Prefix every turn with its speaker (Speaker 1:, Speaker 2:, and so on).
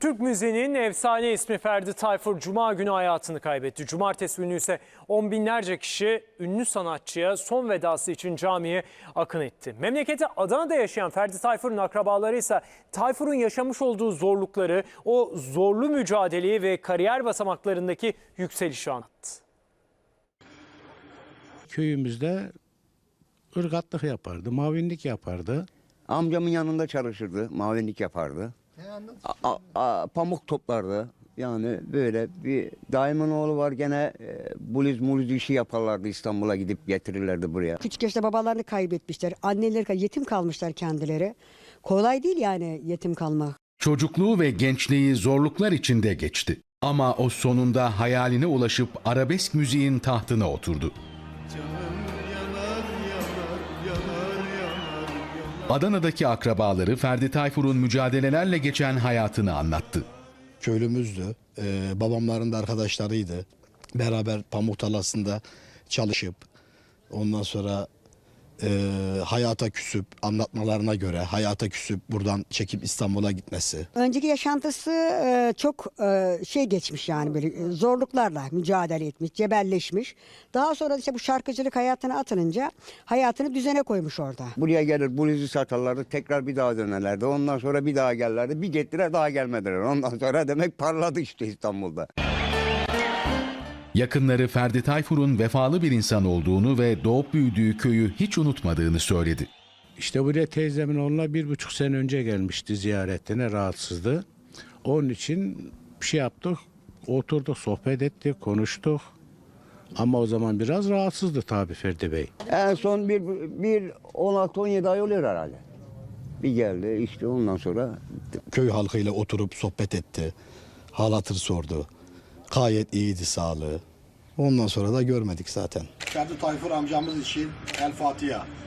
Speaker 1: Türk müziğinin efsane ismi Ferdi Tayfur Cuma günü hayatını kaybetti. Cumartesi günü ise on binlerce kişi ünlü sanatçıya son vedası için camiye akın etti. Memleketi Adana'da yaşayan Ferdi Tayfur'un akrabaları ise Tayfur'un yaşamış olduğu zorlukları, o zorlu mücadeleyi ve kariyer basamaklarındaki yükselişi anlattı.
Speaker 2: Köyümüzde ırgatlık yapardı, mavinlik yapardı.
Speaker 3: Amcamın yanında çalışırdı, mavinlik yapardı. Pamuk toplardı. Yani böyle bir daimin oğlu var gene muluz işi yaparlardı, İstanbul'a gidip getirirlerdi buraya.
Speaker 4: Küçük yaşta babalarını kaybetmişler, anneleri yetim kalmışlar kendileri. Kolay değil yani yetim kalmak.
Speaker 5: Çocukluğu ve gençliği zorluklar içinde geçti. Ama o sonunda hayaline ulaşıp arabesk müziğin tahtına oturdu. Adana'daki akrabaları Ferdi Tayfur'un mücadelelerle geçen hayatını anlattı.
Speaker 6: Köylümüzdü, babamların da arkadaşlarıydı. Beraber pamuk tarlasında çalışıp ondan sonra hayata küsüp anlatmalarına göre hayata küsüp buradan çekip İstanbul'a gitmesi.
Speaker 4: Önceki yaşantısı çok geçmiş yani böyle zorluklarla mücadele etmiş, cebelleşmiş. Daha sonra işte bu şarkıcılık hayatına atılınca hayatını düzene koymuş orada.
Speaker 3: Buraya gelir bluzu satarlardı, tekrar bir daha dönerlerdi. Ondan sonra bir daha gelirlerdi, bir gittiler daha gelmediler. Ondan sonra demek parladı işte İstanbul'da.
Speaker 5: Yakınları Ferdi Tayfur'un vefalı bir insan olduğunu ve doğup büyüdüğü köyü hiç unutmadığını söyledi.
Speaker 2: İşte buraya teyzemin oğluna 1,5 sene önce gelmişti ziyaretine, rahatsızdı. Onun için bir şey yaptık, oturduk, sohbet ettik, konuştuk. Ama o zaman biraz rahatsızdı tabii Ferdi Bey.
Speaker 3: En son bir 16-17 ay oluyor herhalde. Bir geldi işte ondan sonra.
Speaker 6: Köy halkıyla oturup sohbet etti, hal hatır sordu. Gayet iyiydi sağlığı. Ondan sonra da görmedik zaten.
Speaker 7: Ferdi Tayfur amcamız için El Fatiha.